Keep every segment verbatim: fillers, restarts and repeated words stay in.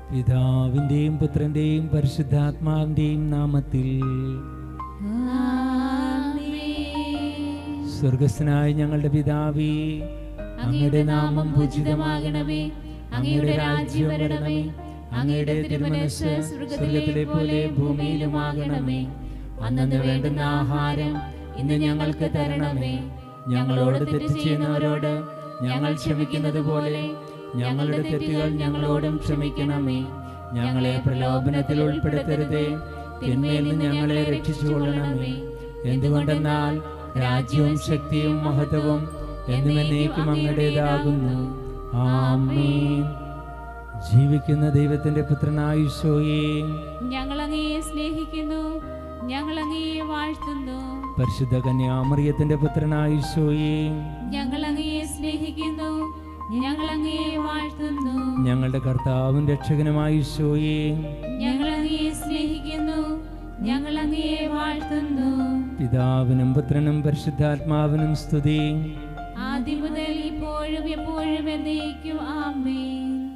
പിതാവിന്റെയും പുത്രന്റെയും പരിശുദ്ധാത്മാവിന്റെയും നാമത്തിൽ സ്വർഗസ്ഥനായ ഞങ്ങളുടെ പിതാവേ, അങ്ങയുടെ നാമം പൂജിതമാകണമേ, അങ്ങയുടെ രാജ്യം വരണമേ, അങ്ങയുടെ തിരുമനസ്സ് സ്വർഗത്തിലെ പോലെ ഭൂമിയിലുമാകണമേ. അന്നന്ന് വേണ്ടുന്ന ആഹാരം ഇന്ന് ഞങ്ങൾക്ക് തരണമേ. ഞങ്ങളോട് തെറ്റ് ചെയ്യുന്നവരോട് ഞങ്ങൾ ക്ഷമിക്കുന്നത് പോലെ ഞങ്ങളുടെ തെറ്റുകൾ ഞങ്ങളോടും ക്ഷമിക്കണമേ. ഞങ്ങളെ പ്രലോഭനത്തിൽ ഉൾപ്പെടുത്തരുതേ, തിന്മയിൽ നിന്ന് ഞങ്ങളെ രക്ഷിച്ചുകൊള്ളണമേ. എന്തുകൊണ്ടെന്നാൽ രാജ്യവും ശക്തിയും മഹത്വവും എന്നുമെന്നേക്കും അങ്ങയുടേതാകുന്നു. ആമേൻ. ജീവിക്കുന്ന ദൈവത്തിന്റെ പുത്രനായ ഈശോയെ, ഞങ്ങൾ അങ്ങയെ സ്നേഹിക്കുന്നു, ഞങ്ങൾ അങ്ങയെ വാഴ്ത്തുന്നു. പരിശുദ്ധ കന്യാമറിയത്തിന്റെ പുത്രനായ ഈശോയെ, ഞങ്ങൾ അങ്ങയെ സ്നേഹിക്കുന്നു, ഞങ്ങൾ അങ്ങയെ വാഴ്ത്തുന്നു. ഞങ്ങളുടെ കർത്താവും രക്ഷകനുമായ ഈശോയെ, ഞങ്ങൾ അങ്ങയെ സ്നേഹിക്കുന്നു, ഞങ്ങൾ അങ്ങയെ വാഴ്ത്തുന്നു. പിതാവിനും പുത്രനും പരിശുദ്ധാത്മാവിനും സ്തുതി. ആദ്യം മുതൽ ഇപ്പോഴും എപ്പോഴും എന്നേക്കും ആമേൻ.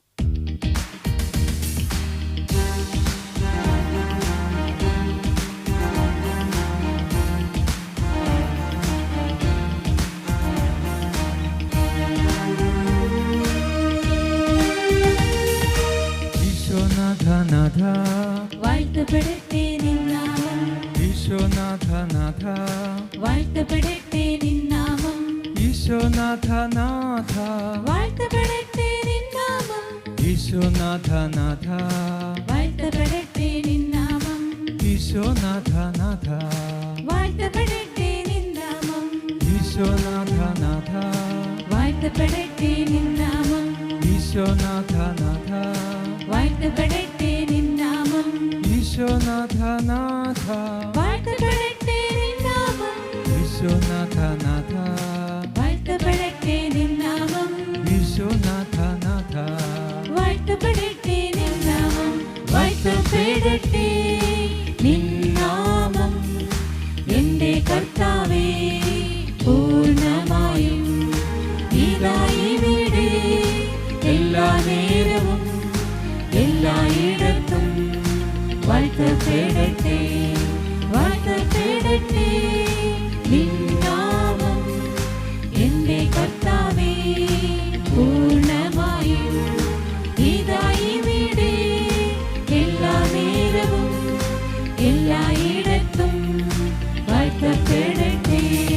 ഈശോനാഥ വാഴ്ത്തപ്പെടട്ടെ നിൻ നാമം, ഈശോനാഥ നാഥ വാഴ്ത്തപ്പെടട്ടെ നിൻ നാമം, ഈശോനാഥ നാഥ വാഴ്ത്തപ്പെടട്ടെ നിൻ നാമം, ഈശോനാഥ നാഥ വാഴ്ത്തപ്പെടട്ടെ നിൻ നാമം, ഈശോനാഥ നാഥ വാഴ്ത്തപ്പെടട്ടെ നിൻ നാമം, ഈശോനാഥ നാഥ വാഴ്ത്തപ്പെടട്ടെ നിൻ നാമം, ഈശോനാഥ നാഥ വാഴ്ത്തപ്പെടട്ടെ നിൻ നാമം, ഈശോനാഥ നാഥ വാഴ്ത്തപ്പെടട്ടെ നിൻ നാമം, ഈശോനാഥ നാഥ വാഴ്ത്തപ്പെടട്ടെ നിൻ നാമം, ഈശോനാഥ നാഥ വാഴ്ത്തപ്പെടട്ടെ നിൻ നാമം, വാഴ്ത്തപ്പെടട്ടെ നിൻ നാമം. എന്റെ കർത്താവേ, പൂർണ്ണമായും ഇതാ ഇവിടെ എല്ലാ നേരവും എല്ലായിടത്തും വാഴ്ത്തപ്പെടട്ടെ, വാഴ്ത്തപ്പെടട്ടെ നിൻ നാമം. എന്റെ കർത്താവേ, പൂർണ്ണമായും ഇതാ ഇവിടെ എല്ലാ നേരവും എല്ലായിടത്തും വാഴ്ത്തപ്പെടട്ടെ.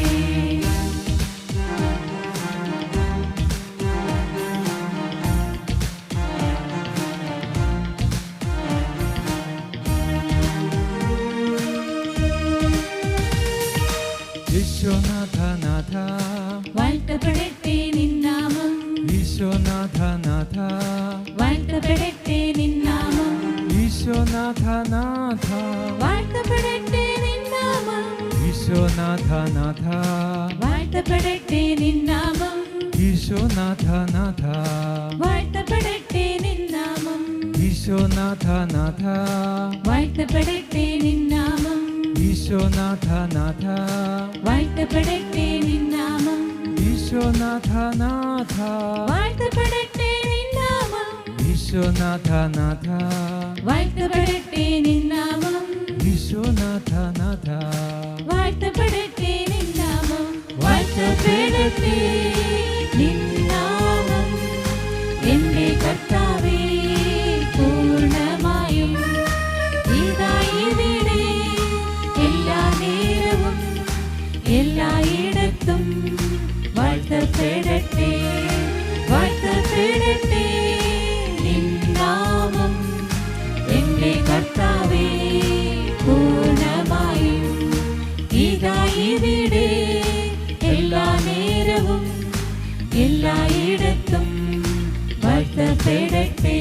ഈശോനാഥ നാഥ വാഴ്ത്തപ്പെടട്ടെ നിൻ നാമം, ഈശോനാഥ നാഥ വാഴ്ത്തപ്പെടട്ടെ നിൻ നാമം, ഈശോനാഥ നാഥ വാഴ്ത്തപ്പെടട്ടെ നിൻ നാമം, ഈശോനാഥ നാഥ വാഴ്ത്തപ്പെടട്ടെ നിൻ നാമം, ഈശോനാഥ നാഥ വാഴ്ത്തപ്പെടട്ടെ നിൻ നാമം, ഈശോനാഥ നാഥ വാഴ്ത്തപ്പെടട്ടെ നിൻ നാമം, ഈശോനാഥ നാഥ വാഴ്ത്തപ്പെടട്ടെ നിൻ നാമം, ഈശോനാഥ നാഥ വാഴ്ത്തപ്പെടട്ടെ നിൻ നാമം, ഈശോനാഥ നാഥ വാഴ്ത്തപ്പെടട്ടെ നിൻ നാമം, ഈശോനാഥ നാഥ വാഴ്ത്തപ്പെടട്ടെ നിൻ നാമം, വാഴ്ത്തപ്പെടട്ടെ നിൻ നാമം. എന്റെ കർത്താവേ, പൂർണ്ണമായും ഇതാ ഇവിടെ എല്ലാ നേരവും എല്ലായിടത്തും വാഴ്ത്തപ്പെടട്ടെ, വാഴ്ത്തപ്പെടട്ടെ നിൻ നാമം. എന്റെ കർത്താവേ, പൂർണ്ണമായും ഇതാ ഇവിടെ എല്ലാ നേരവും എല്ലായിടത്തും വാഴ്ത്തപ്പെടട്ടെ.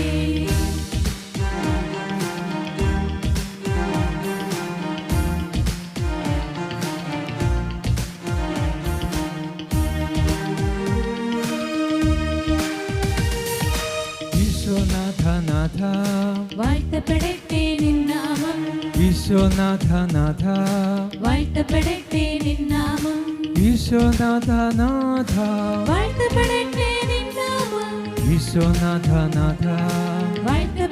ഈശോനാഥ നാഥ വാഴ്ത്തപ്പെടട്ടെ നിൻ നാമം, ഈശോനാഥ നാഥ വാഴ്ത്തപ്പെടട്ടെ നിൻ നാമം, ഈശോനാഥ നാഥ വാഴ്ത്തപ്പെടട്ടെ നിൻ നാമം, ഈശോനാഥ നാഥ വാഴ്ത്തപ്പെടട്ടെ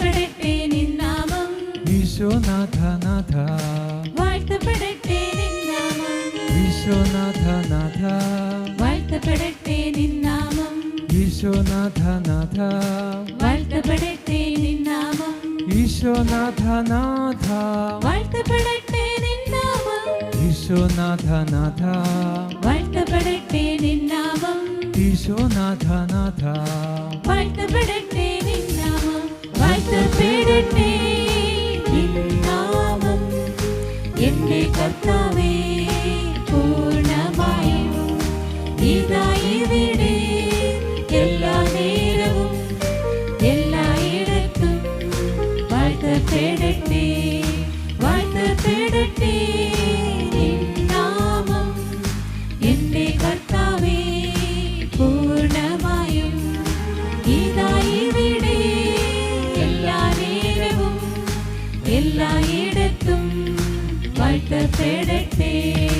ഈശോനാഥ നാഥ വാഴ്ത്തപ്പെടട്ടെ നിന്നാമം ഈശോനാഥ നാഥ വാഴ്ത്തപ്പെടട്ടെ നിന്നാമം ഈശോനാഥ നാഥ വാഴ്ത്തപ്പെടട്ടെ നിന്നാമം ഈശോനാഥ നാഥ വാഴ്ത്തപ്പെടട്ടെ നിന്നാമം ഈശോനാഥ നാഥ വാഴ്ത്തപ്പെടട്ടെ നിന്നാമം ഈശോനാഥ നാഥ വാഴ്ത്തപ്പെടട്ടെ നിന്നാമം വാഴ്ത്തപ്പെടട്ടെ നിന്നാമം എന്റെ കർത്താവേ പൂർണ്ണമായും ഇതാ ഇവിടെ എല്ലാ നേരവും എല്ലായിടത്തും വാഴ്ത്തപ്പെടട്ടെ വാഴ്ത്തപ്പെടട്ടെ നിന്നാമം എന്റെ കർത്താവേ പൂർണ്ണമായും ഇതാ ഇവിടെ എല്ലാ നേരവും എല്ലായിടത്തും വാഴ്ത്തപ്പെടട്ടെ.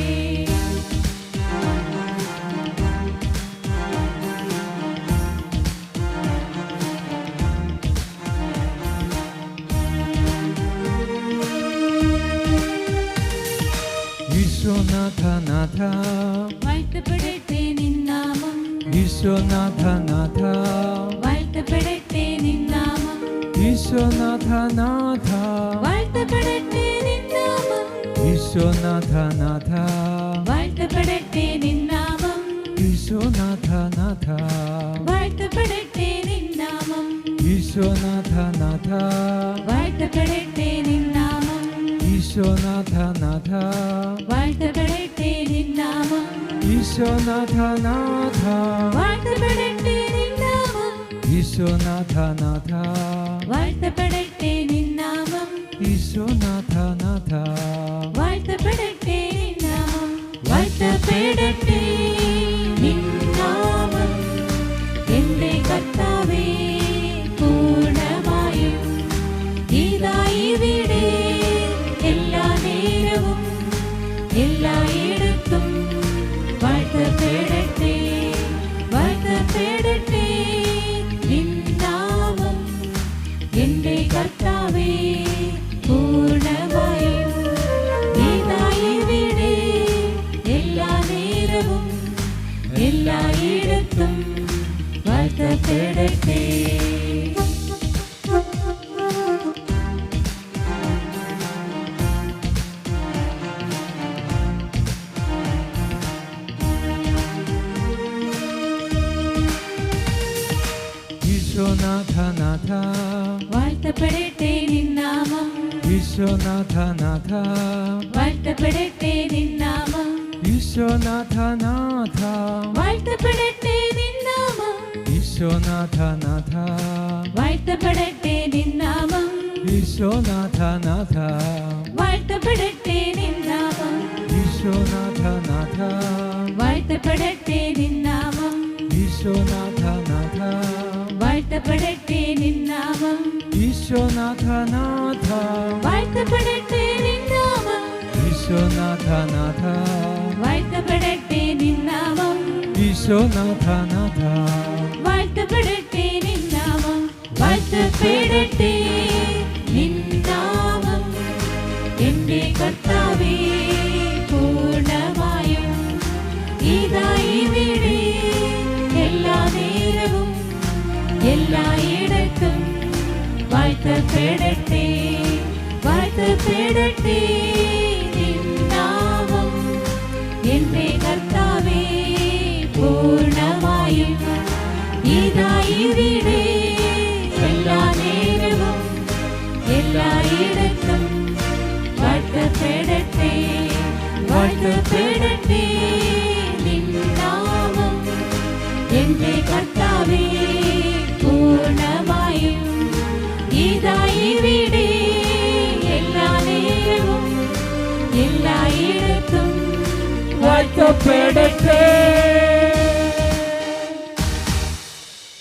ഈശോനാഥ നാഥ വാഴ്ത്തപ്പെടട്ടെ നിന്നാമം ഈശോനാഥ നാഥ വാഴ്ത്തപ്പെടട്ടെ നിന്നാമം ഈശോനാഥ നാഥ വാഴ്ത്തപ്പെടട്ടെ നിന്നാമം ഈശോനാഥ നാഥ വാഴ്ത്തപ്പെടട്ടെ നിന്നാമം ഈശോനാഥ നാഥ വാഴ്ത്തപ്പെടട്ടെ നിന്നാമം ഈശോനാഥ നാഥ വാഴ്ത്തപ്പെടട്ടെ നിന്നാമം ഈശോനാഥ നാഥ വാഴ്ത്തപ്പെടട്ടെ നിന്നാമം ഈശോനാഥ നാഥ വാഴ്ത്തപ്പെടട്ടെ നിന്നാമം ഈശോനാഥ നാഥ വാഴ്ത്തപ്പെടട്ടെ നിന്നാമം ഈശോനാഥ നാഥ വാഴ്ത്തപ്പെടട്ടെ നിന്നാമം വാഴ്ത്തപ്പെടട്ടെ നിന്നാമം എന്റെ കർത്താവേ പൂർണ്ണമായും ഇതാ ഇവിടെ എല്ലാ നേരവും എല്ലായിടത്തും വാഴ്ത്തപ്പെടട്ടെ വാഴ്ത്തപ്പെടട്ടെ നിന്നാമം എന്റെ കർത്താവേ പൂർണ്ണമായും ഇതാ ഇവിടെ എല്ലാ നേരവും എല്ലായിടത്തും വാഴ്ത്തപ്പെടട്ടെ. ഈശോനാഥ നാഥ വാഴ്ത്തപ്പെടട്ടെ നിന്നാമം ഈശോനാഥ നാഥ വാഴ്ത്തപ്പെടട്ടെ നിന്നാമം ഈശോനാഥ നാഥ വാഴ്ത്തപ്പെടട്ടെ നിന്നാമം ഈശോനാഥ നാഥ വാഴ്ത്തപ്പെടട്ടെ നിന്നാമം ഈശോനാഥ നാഥ വാഴ്ത്തപ്പെടട്ടെ നിന്നാമം ഈശോനാഥ നാഥ വാഴ്ത്തപ്പെടട്ടെ നിന്നാമം ഈശോനാഥ നാഥ വാഴ്ത്തപ്പെടട്ടെ നിന്നാമം ഈശോനാഥ നാഥ വാഴ്ത്തപ്പെടട്ടെ നിന്നാമം ഈശോനാഥ നാഥ വാഴ്ത്തപ്പെടട്ടെ നിന്നാമം ഈശോനാഥ നാഥ വാഴ്ത്തപ്പെടട്ടെ നിന്നാമം വാഴ്ത്തപ്പെടട്ടെ നിന്നാമം എന്റെ കർത്താവേ പൂർണ്ണമായും ഇതാ ഇവിടെ എല്ലാ നേരവും എല്ലായിടത്തും വാഴ്ത്തപ്പെടട്ടെ വാഴ്ത്തപ്പെടട്ടെ നിന്നാമം എന്റെ കർത്താവേ പൂർണ്ണമായും ഇതാ ഇവിടെ എല്ലാ നേരവും എല്ലായിടത്തും വാഴ്ത്തപ്പെടട്ടെ വാഴ്ത്തപ്പെടട്ടെ നിന്നാമം എന്റെ കർത്താവേ പൂർണ്ണമായും ഇതാ ഇവിടെ എല്ലാ നേരവും എല്ലായിടത്തും വാഴ്ത്തപ്പെടട്ടെ.